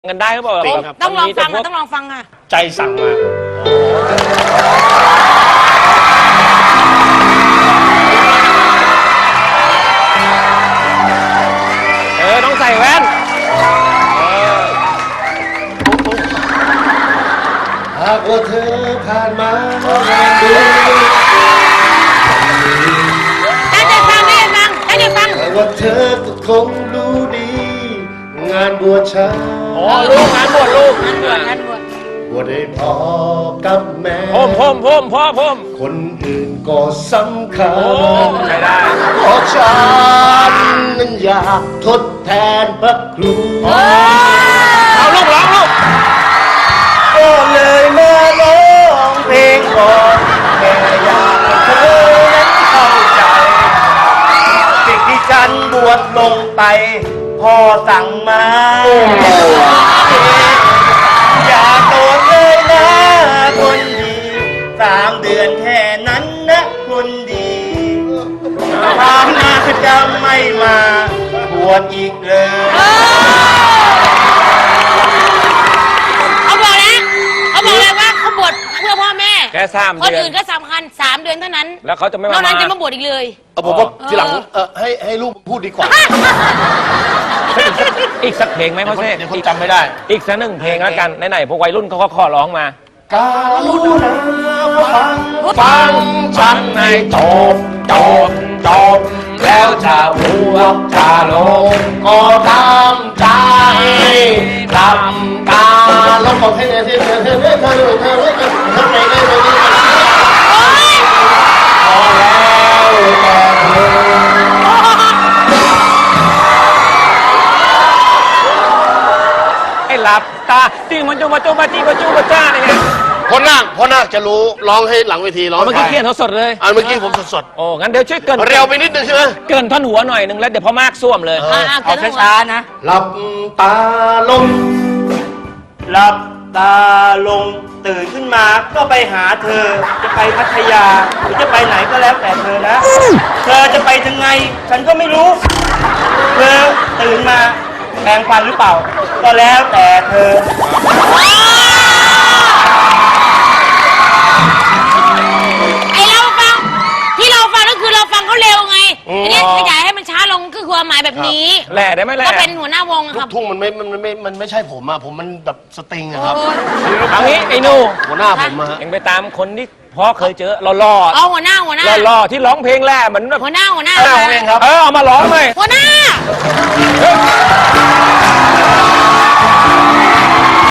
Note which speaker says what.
Speaker 1: กันได้หรือเปล่าครับ
Speaker 2: ต้องลองฟังต้องลองฟังค่ะ
Speaker 1: ใจสั่งมาต้องใส่แว่น
Speaker 3: หากว่าเธอผ่านมา
Speaker 2: ตั้งใจฟังตั้งใจฟัง
Speaker 3: หากว่าเธอก็คงรู้ดีงานบวชฉัน
Speaker 1: ลูกงานบวชลูก
Speaker 2: งานบวช
Speaker 3: บวชให้พ่อกับแม่
Speaker 1: พ่อ
Speaker 3: คนอื่นก็สำคัญ
Speaker 1: ใช่ได้
Speaker 3: เพราะฉันนั้นอยากทดแทนพระครู
Speaker 1: เอาลูกร้องลูก
Speaker 3: ก็เลยมาร้องเพลงก่อนแค่อยากให้เธอนั้นเข้าใจสิ่งที่ฉันบวชลงไปพ่อสั่งมาอย่าโตเลยนะคนดี3 เดือนแค่นั้นนะคนดีความน่าจะไม่มาบวชอีกเลย
Speaker 2: เขาบอกเลยว่าเขาบวชเพื่อพ่อแม่
Speaker 1: แค่3 เดือน
Speaker 2: คนอื่นก็สำคัญ3 เดือนเท่านั้น
Speaker 1: แล้วเขาจะไม่
Speaker 2: นอกนั้นจะมาบวชอีกเลย
Speaker 3: ผมว่าทีหลังให้ลูกพูดดีกว่า
Speaker 1: อีกสักเพลงไหมพ่อเซ่
Speaker 3: เดี๋ยวคนจำไม่ได้
Speaker 1: อีกสัก1 เพลงแล้วกันไหนๆพวกวัยรุ่นเขาก็ขอร้องมา
Speaker 3: การุณาฟังฉันให้จบแล้วจะบวชจะลงก็ตามใจทำตาลงบอกให้เธอทำไมได้ไหมพอแล้วแต่เธอ
Speaker 1: ให้หลับตาจิ้งมันจูมาจูมาจีมาจูมาจ้าเนี่ย
Speaker 3: พ่อนาคจะรู้ร้องให้หลังเวทีร้อง
Speaker 1: เมื่อกี้เขียนสดเลย
Speaker 3: เมื่อกี้ผมสด
Speaker 1: โอ้งั้นเดี๋ยวช่วยเกิน
Speaker 3: เร็วไปนิดนึงใช่ไหม
Speaker 1: เกินท่อนหัวหน่อยนึงแล้วเดี๋ยวพ่อมากส้วมเลย
Speaker 2: เอาช้าๆนะ
Speaker 3: หลับตาลงตื่นขึ้นมาก็ไปหาเธอจะไปพัทยาหรือจะไปไหนก็แล้วแต่เธอนะเธอจะไปถึงไงฉันก็ไม่รู้เธอตื่นมาแปรงฟันหรือเปล่าก็แล้วแต่เธอ
Speaker 2: ที่เราฟังก็คือเราฟังเขาเร็วไงทีนี้ขยายให้มันช้าลงคือความหมายแบบนี้
Speaker 1: แหล่ได้ไหมแหล่
Speaker 2: ก็เป็นหัวหน้าวงครับ
Speaker 3: ทุ่งมันไม่ใช่ผมอะผมมันแบบสตริงอะครับ
Speaker 1: เอางี้ไอ้หนู
Speaker 3: หัวหน้าผมอะ
Speaker 1: เอ็งไปตามคนที่พ่อเคยเจอหล่อ
Speaker 2: เอาหัวหน้า
Speaker 1: หล่อที่ร้องเพลงแหล่เหมือน
Speaker 2: หัวหน้า
Speaker 3: เองครับ
Speaker 1: เอามาร้องเลย
Speaker 2: หัวหน้า